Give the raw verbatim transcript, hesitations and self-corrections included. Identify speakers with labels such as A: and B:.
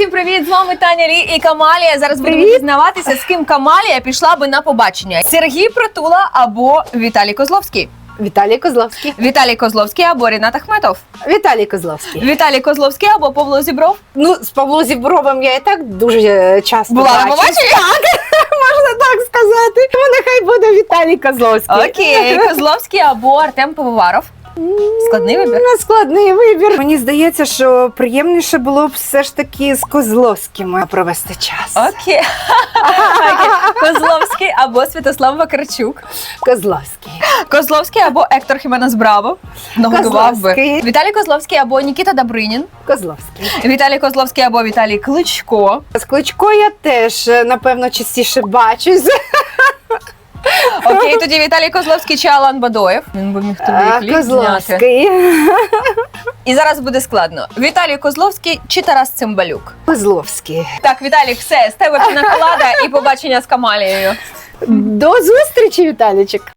A: всім привіт! З вами Таня Лі і Камалія. Зараз будемо
B: Привіт.
A: дізнаватися, з ким Камалія пішла би на побачення. Сергій Притула або Віталій Козловський.
B: Віталій Козловський.
A: Віталій Козловський або Рінат Ахметов.
B: Віталій Козловський.
A: Віталій Козловський або Павло Зібров.
B: Ну, з Павлом Зібровим я і так дуже часто
A: Була на
B: бачусь.
A: побаченні?
B: Можна так сказати. Тому нехай буде Віталій Козловський.
A: Окей, Козловський або Артем Пивоваров. Складний вибір.
B: Не складний вибір. Мені здається, що приємніше було б все ж таки з Козловським провести час.
A: Окей. Окей. Козловський або Святослав Вакарчук.
B: Козловський.
A: Козловський або Ектор Хіменес Браво. Нагодував би.
B: Козловський.
A: Віталій Козловський або Нікіта Добринін.
B: Козловський.
A: Віталій Козловський або Віталій Кличко.
B: З Кличко я теж, напевно, частіше бачусь.
A: Окей, тоді Віталій Козловський чи Алан Бадоєв. Він би міг тобі
B: А,
A: кліп зняти.
B: Козловський.
A: І зараз буде складно. Віталій Козловський чи Тарас Цимбалюк?
B: Козловський.
A: Так, Віталій, все, з тебе пінаколада і побачення з Камалією.
B: До зустрічі, Віталічик.